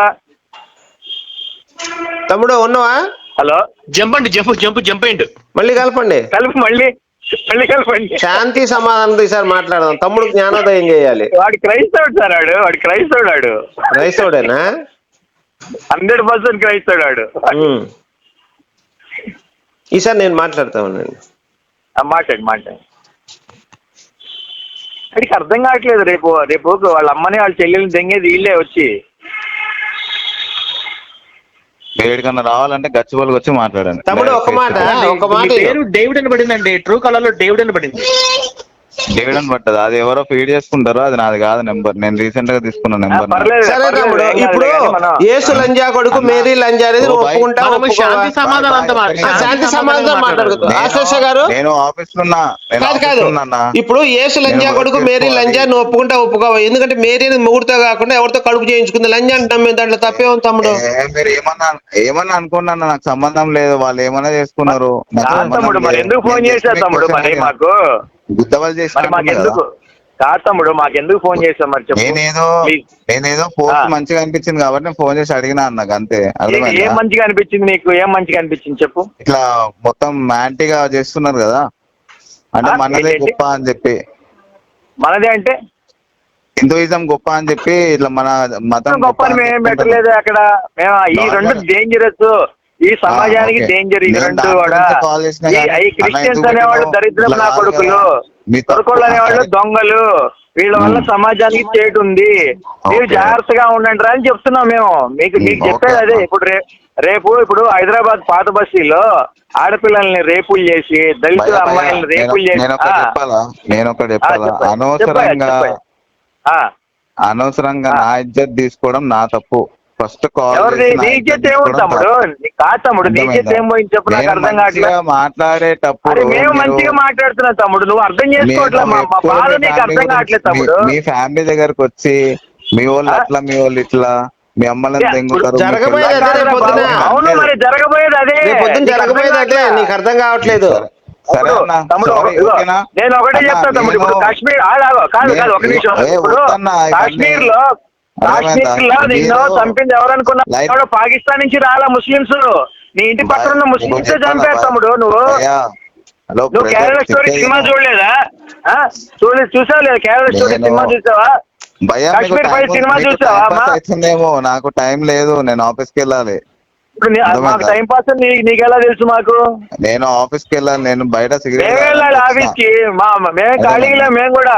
F: తమ్ముడు ఉన్నావా? హలో,
A: జంప్ అండి, జంప్ జంప్ జంప్ అయ్యిండు.
E: మళ్ళీ కలపండి,
F: కలిపి మళ్ళీ మళ్ళీ కలపండి.
E: శాంతి సమాధానం ఈసారి మాట్లాడదాం. తమ్ముడు జ్ఞానోదయం చేయాలి.
F: వాడు క్రైస్తవుడు సార్, వాడు వాడు క్రైస్తవుడు. వాడు
E: క్రైస్తవుడేనా?
F: హండ్రెడ్ పర్సెంట్ క్రైస్తవుడు వాడు.
E: ఈసారి నేను మాట్లాడతా ఉన్నాను.
F: మాట్లాడు మాట్లాడు. వాడికి అర్థం కావట్లేదు. రేపు రేపు వాళ్ళ అమ్మని వాళ్ళ చెల్లెల్ని దెంగేది వీళ్ళే వచ్చి.
D: ఏడికన్నా రావాలంటే గచ్చిబోలికి వచ్చి మాట్లాడండి.
E: తమ్ముడు ఒక మాట ఒక మాట
A: పేరు డేవిడ్ అని పడిందండి, ట్రూ కలర్ లో డేవిడ్ అని పడింది.
D: డేవిడ్ అని పడ్డది. అది ఎవరో ఫీడ్ చేసుకుంటారో, అది నాది కాదు నెంబర్. నేను రీసెంట్ గా తీసుకున్న నెంబర్.
F: పర్లేదు
E: సరే
F: పర్లేదు,
E: తమ్ముడు,
F: ఏం కాదులే
E: ఇప్పుడు
F: కానీ మనం
E: యేసు లంజా కొడుకు మేరీ లంజా అనేది
D: ఓ
E: నువ్వు
D: బై.
E: ఒప్పుకుంటా
A: మనము
E: ఒప్పుకోవా?
A: శాంతి సమాధానంతో మా-
E: ఆ, శాంతి సమాధానం మాట్లాడుకో ఆశేష గారు.
D: నేను ఆఫీస్ లో ఉన్నా, నేను
E: కాదు
D: ఆఫీస్
E: కాదు
D: లో ఉన్నా.
E: ఇప్పుడు యేసు లంజా
D: నేను
E: కొడుకు
D: వర్క్
E: మేరీ
D: చేసుకోవాలి.
E: లంజా నువ్వు ఒప్పుకుంటా ఒప్పుకోవా? ఎందుకంటే మేరీ అనేది మొగుడుతో కాకుండా ఎవరితో కడుపు చేయించుకుంది లంజా అంటున్నాం మేము, దాంట్లో తప్పే ఉంది తమ్ముడు.
D: ఏ, మీరు ఏమన్నా ఏమన్నా అనుకున్నా, నాకు సంబంధం లేదు. వాళ్ళు ఏమన్నా చేసుకున్నారు, నాకు
F: కాదు
D: సంబంధం
F: తమ్ముడు, మరి
D: లేదు.
F: ఎందుకు ఫోన్
D: నేను
F: చేశావు
D: just
F: తమ్ముడు?
D: మీకు
F: మరి
D: question
F: మాకు
D: గుద్దవలు చేసిన
F: మరి మాకెందుకు కాదు తమ్ముడు, మాకెందుకు ఫోన్ చేసావు మరి చెప్పు.
D: నేనేదో
F: ప్లీజ్.
D: నేనేదో పోస్ట్
F: ఆ.
D: మంచిగా అనిపించింది కాబట్టి నేను ఫోన్ చేసి అడిగినా అన్నకు, అంతే.
F: ఏ- ఏం
D: అర్థమైందా?
F: మంచిగా అనిపించింది నీకు? ఏం మంచిగా అనిపించింది చెప్పు.
D: ఇట్లా మొత్తం యాంటీగా చేస్తున్నారు కదా, అంటే
F: ఆ,
D: మనదే
F: ఏంటి?
D: గొప్ప అని చెప్పి,
F: మనదే అంటే
D: హిందూయిజం గొప్ప అని చెప్పి, ఇట్లా మన మతం
F: గొప్ప అని
D: అని
F: మేము
D: చెప్పుకుంటారు.
F: పెట్టలేదు అక్కడ. మేము ఈ
D: Normal.
F: రెండు డేంజరస్, ఈ సమాజానికి
D: ఓకే.
F: డేంజర్ ఈ
D: నేను
F: రెండు
D: దాని
F: కూడా.
D: గురించి కాల్ చేసినా
F: ఈ
D: కానీ
F: ఈ క్రిస్టియన్స్
D: అన్న
F: అనేవాళ్ళు
D: ఎందుకు
F: దరిద్రం
D: ఇట్లా
F: నా
D: కాదు
F: కొడుకులు,
D: కదా, మీ తప్పు
F: కొడుకోళ్ళు అనేవాళ్ళు
D: మాట్లాడి-
F: దొంగలు, వీళ్ళ వల్ల
D: మ్మ్.
F: సమాజానికి చేటు ఉంది. మీరు
D: ఓకే.
F: జాగ్రత్తగా ఉండండి రా అని చెప్తున్నాం మేము. మీకు
D: మ్మ్.
F: మీకు
D: ఓకే
F: చెప్పేది అదే.
D: అమ్మా.
F: ఇప్పుడు రే- రేపు ఇప్పుడు హైదరాబాద్ పాత బస్తీలో ఆడపిల్లల్ని రేపులు చేసి, దళిత
D: భయ్యా, భయ్యా,
F: అమ్మాయిల్ని
D: నేను
F: రేపులు చేసి
D: నేను ఒకటి
F: ఆ,
D: చెప్పాలా నేను ఒకటి
F: ఆ,
D: చెప్పాలా
F: చెప్పండి.
D: అనవసరంగా
F: చెప్పండి, చెప్పండి. ఆ,
D: అనవసరంగా
F: ఆ.
D: నా ఇజ్జత్ తీసుకోవడం నా తప్పు. ఫస్ట్ కాల్
F: ఎవరిది
D: చేసి నా
F: నీ
D: ఇజ్జత్
F: ఇజ్జత్ ఏముంది
D: తీసుకోవడం
F: తమ్ముడు?
D: తప్పు.
F: నీ కాదు తమ్ముడు, నీ ఇజ్జత్
D: అర్థమైందా?
F: ఏం పోయింది చెప్పు, నాకు
D: నేను
F: అర్థం
D: మంచిగా
F: కావట్లేదు.
D: మాట్లాడేటప్పుడు
F: అరే మేము
D: మీరు-
F: మంచిగా మాట్లాడుతున్నాం తమ్ముడు, నువ్వు అర్థం
D: నేను
F: చేసుకోవట్లేదు. మా మా
D: ఎప్పుడు
F: బాధ
D: మీ
F: నీకు
D: ఫ్యామిలీ
F: అర్థం
D: గురించి-
F: కావట్లేదు
D: మీ-
F: తమ్ముడు.
D: మీ ఫ్యామిలీ దగ్గరకు వచ్చి మీ వాళ్ళు
F: ఆ?
D: అట్లా, మీ వాళ్ళు ఇట్లా, మీ అమ్మలను
F: ఏ,
D: దెంగుతారు, మీ
E: జరగబోయేది
D: పిల్లల్ని
E: అదే రేపు
D: దెంగుతారు.
E: పొద్దున.
D: నేను
F: అవును
D: అనలేదు.
F: మరి జరగబోయేది అదే.
E: రేపు పొద్దున
F: నీకు అర్థం
E: జరగబోయేది అదే,
F: కావట్లా?
E: నీకు అర్థం కావట్లేదు.
D: సరే సరే
F: ఇప్పుడు
D: అన్న,
F: తమ్ముడు
D: సారీ,
F: ఇదిగో,
D: ఓకేనా?
F: నేను ఒకటే
D: అన్న,
F: చెప్తా తమ్ముడు. ఇప్పుడు
D: నేను-
F: కాశ్మీర్ ఆగు, ఆగు, కాదు
D: నేను-
F: కాదు ఒక నిమిషం.
D: ఏ,
F: ఇప్పుడు
D: వద్దన్నా, ఇవన్నీ-
F: కాశ్మీర్ లో కాశ్మీర్ లో నిన్ను
D: మీరు-
F: చంపింది ఎవరనుకున్నా?
D: లైట్-
F: ఎవడో పాకిస్తాన్ నుంచి రాలా ముస్లింస్. నీ ఇంటి పక్కన ఉన్న ముస్లింస్ చంపారు తమ్ముడు. నువ్వు
D: హలో
F: నువ్వు కేరళ స్టోరీ సినిమా చూడలేదా? ఆ? చూడలేదు, చూసావా లేదా? కేరళ స్టోరీ
D: నేను-
F: సినిమా చూసావా?
D: భయ్యా, మీకు
F: కాశ్మీర్
D: టైం
F: ఫైవ్
D: ఉంది,
F: సినిమా
D: మీకు
F: చూసావా
D: టైం
F: అమ్మా?
D: పాస్ అవుతుందేమో, నాకు టైం లేదు, నేను ఆఫీస్కి వెళ్ళాలి.
F: ఇప్పుడు నీ-
D: అర్థమైందా?
F: మాకు టైం పాస్ అని నీ- నీకెలా తెలుసు మాకు?
D: నేను ఆఫీస్కి వెళ్ళాలి, నేను బయట సిగరెట్
F: మేము వెళ్ళాలి ఆఫీస్ కి. మా మేము ఖాళీగా మేము కూడా.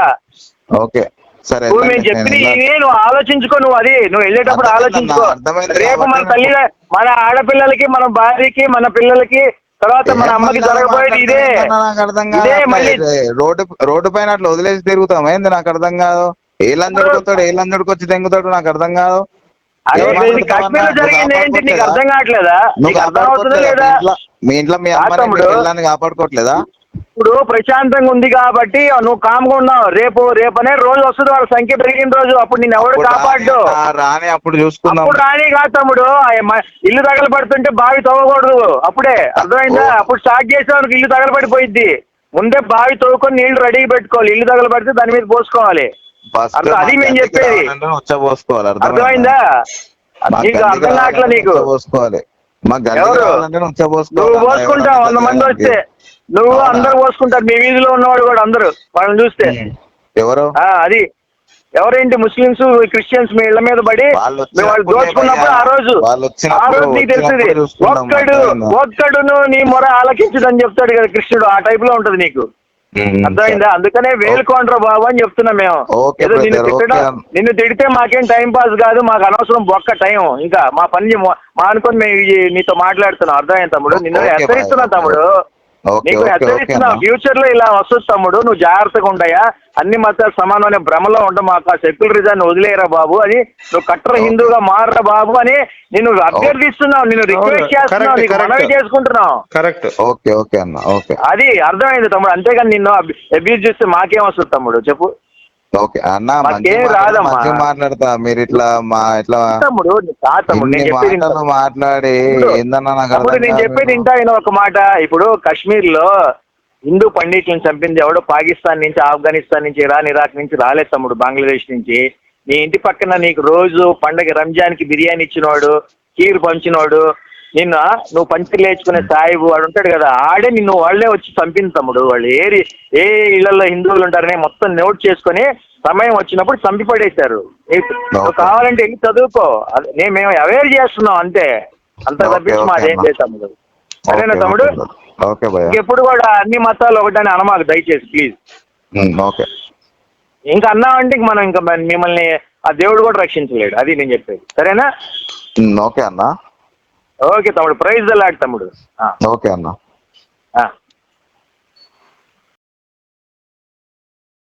D: ఓకే సరే
F: నువ్వు
D: వెళ్ళండి,
F: మేము చెప్పిన
D: నేను వెళ్ళాలి.
F: ఇవి నువ్వు ఆలోచించుకో. నువ్వు అది నువ్వు వెళ్ళేటప్పుడు
D: అర్థమైంది
F: ఆలోచించుకో.
D: అన్న, అర్థమైంది
F: రేపు మన
D: కాబట్టి
F: తల్లి, మన ఆడపిల్లలకి, మన భార్యకి, మన పిల్లలకి, తర్వాత మన అమ్మకి
D: ఏమన్నా
F: జరగబోయేది ఇదే.
D: మాట్లాడుతున్నా నాకు అర్థం కాదు.
F: ఇదే
D: అట్లా
F: మళ్ళీ
D: రోడ్డు రోడ్డు పైన అట్లా వదిలేసి తిరుగుతాం ఏంది, నాకు అర్థం కాదు. ఏ లంజడికి వస్తాడు, ఏ లంజడికి వచ్చి తెంగుతాడు, నాకు అర్థం కాదు.
F: అరే
D: ఏం
F: ఇది
D: మాట్లాడుతావు
F: కాశ్మీర్ లో
D: అన్న?
F: జరిగింది ఏంటి? నీకు
D: నువ్వు
F: అర్థం కావట్లేదా?
D: నువ్వు
F: నీకు అర్థం అవుతుందా
D: కాపాడుకోవట్లేదా?
F: లేదా?
D: మీ ఇంట్లో- మీ ఇంట్లో మీ
F: కాదు
D: అమ్మని మీ
F: తమ్ముడు.
D: పిల్లని కాపాడుకోవట్లేదా?
F: ఇప్పుడు ప్రశాంతంగా ఉంది కాబట్టి నువ్వు కామ్గా ఉన్నావు. రేపు రేపు అనే రోజు వస్తుంది, వాళ్ళ సంఖ్య పెరిగిన రోజు. అప్పుడు నేను ఎవడు
D: అప్పుడు
F: కాపాడు.
D: రాని- ఆ రాని అప్పుడు చూసుకుందాం.
F: అప్పుడు రాని కాదు తమ్ముడు. ఆ మ- ఇల్లు తగలబడుతుంటే బావి తవ్వకూడదు అప్పుడే, అర్థమైందా?
D: ఓ.
F: అప్పుడు స్టార్ట్ చేసేవానికి ఇల్లు తగలబడిపోయింది. ముందే బావి తవ్వుకొని నీళ్లు రెడీగా పెట్టుకోవాలి. ఇల్లు తగలబడితే దాని మీద పోసుకోవాలి.
D: ఫస్ట్
F: అర్థం- అది మేము చెప్పేది.
D: వచ్చపోసుకోవాలి,
F: అర్థమైందా? నీకు అర్థం కావట్లే నీకు.
D: పోసుకోవాలి. మా గల్లి
F: ఎవరు?
D: కావాలంటే వచ్చపోసుకోవాలి.
F: నువ్వు పోసుకుంటావు, వంద మంది వస్తే నువ్వు
D: అవునా?
F: అందరు పోసుకుంటారు. మీ వీధిలో ఉన్నవాడు కూడా అందరూ వాళ్ళని చూస్తే.
D: ఎవరు?
F: ఆ అది ఎవరేంటి ముస్లిమ్స్ క్రిస్టియన్స్ మీ ఇళ్ల మీద పడి
D: వాళ్ళు
F: మేము వాళ్ళు
D: వచ్చినప్పుడే
F: దోచుకున్నప్పుడు
D: భయ్యా.
F: ఆ రోజు
D: వాళ్ళు వచ్చినప్పుడు-
F: ఆ రోజు నీకు తెలుస్తుంది.
D: వచ్చినప్పుడు చూసుకుందాం,
F: ఒక్కడు
D: అర్థమైందా?
F: ఒక్కడును నీ మొర ఆలకించదని చెప్తాడు కదా కృష్ణుడు. ఆ టైప్ లో ఉంటది నీకు.
D: ఉమ్,
F: అర్థమైందా? అందుకనే వేలుకోండ్రా బాబు అని చెప్తున్నాం మేము.
D: ఓకే
F: ఏదో నిన్ను
D: బ్రదర్,
F: తిట్టడం,
D: ఓకే.
F: నిన్ను తిడితే మాకేం టైం పాస్ కాదు, మాకు అనవసరం బొక్క టైం. ఇంకా మా పని మా మా అనుకొని మేము ఈ- నీతో మాట్లాడుతున్నాం. అర్థమైంది తమ్ముడు. నిన్ను
D: ఓకే
F: హెచ్చరిస్తున్నా
D: బాయ్,
F: తమ్ముడు.
D: ఓకే
F: నీకు
D: ఓకే ఓకే
F: హెచ్చరిస్తున్నా,
D: అన్న.
F: ఫ్యూచర్ లో ఇలా వస్తుంది తమ్ముడు. నువ్వు జాగ్రత్తగా ఉంటాయా? అన్ని మతాలు సమానమైన భ్రమలో ఉంటా. మాకు ఆ సెక్యులరిజాన్ని వదిలేరా బాబు అని, నువ్వు కట్టర్
D: ఓకే.
F: హిందూగా మారరా బాబు అని నిన్ను అభ్యర్థిస్తున్నావు, నిన్ను రిక్వెస్ట్ చేస్తున్నావు,
E: కరెక్ట్,
F: నీకు
E: కరెక్ట్.
F: మనవి చేసుకుంటున్నావు.
E: కరెక్ట్.
D: ఓకే ఓకే అన్న, ఓకే
F: అది అర్థమైంది తమ్ముడు. అంతేగాని నిన్ను అబ్యూజ్ చేస్తే మాకేం వస్తుంది తమ్ముడు చెప్పు.
D: ఓకే అన్న.
F: మాకేం
D: మంచిగా
F: రాదమ్మా.
D: మంచిగా మాట్లాడతా, మీరు ఇట్లా మా ఇట్లా
F: తమ్ముడు కాదు తమ్ముడు, నేను
D: ఇన్ని
F: చెప్పేది
D: మాటలు
F: వింటా.
D: మాట్లాడి
F: ఇప్పుడు-
D: ఏందన్నా నాకు
F: తమ్ముడు
D: అర్థం
F: నేను
D: కాదు.
F: చెప్పేది ఇంటా అయిన ఒక మాట. ఇప్పుడు కాశ్మీర్ లో హిందూ పండిట్లను చంపింది ఎవడో పాకిస్తాన్ నుంచి, ఆఫ్ఘనిస్తాన్ నుంచి, ఇరాన్, ఇరాక్ నుంచి రాలేదు తమ్ముడు, బంగ్లాదేశ్ నుంచి. నీ ఇంటి పక్కన నీకు రోజు పండగ రంజాన్ కి బిర్యానీ ఇచ్చినవాడు, కీరు పంచినవాడు, నిన్న నువ్వు పంచి లేచుకునే సాయిబు వాడు ఉంటాడు కదా, ఆడే నిన్ను వాళ్ళే వచ్చి చంపింది తమ్ముడు. వాళ్ళు ఏరి ఏ ఇళ్లలో హిందువులు ఉంటారనే మొత్తం నోట్ చేసుకుని సమయం వచ్చినప్పుడు చంపి పడేశారు. నీకు నువ్వు కావాలంటే వెళ్ళి చదువుకో. అది నేను మేము అవేర్ చేస్తున్నాం అంతే, అంత
D: ఓకే,
F: తప్పించి
D: ఓకే
F: మాదేం
D: అన్న.
F: లేదు తమ్ముడు. సరేనా
D: ఓకే,
F: తమ్ముడు?
D: ఓకే, ఓకే భయ్యా.
F: ఇంకెప్పుడు కూడా అన్ని మతాలు ఒకటని అనమాకు దయచేసి ప్లీజ్.
D: ఉమ్, ఓకే
F: ఇంకా అన్నామంటే ఇంక మనం ఇంకా మన- మిమ్మల్ని ఆ దేవుడు కూడా రక్షించలేడు. అది నేను చెప్పేది. సరేనా?
D: ఉమ్, ఓకే అన్న,
F: ఓకే తమ్ముడు. ప్రైజ్ ద లార్డ్ తమ్ముడు. ఆ,
D: ఓకే అన్న.
F: ఆ.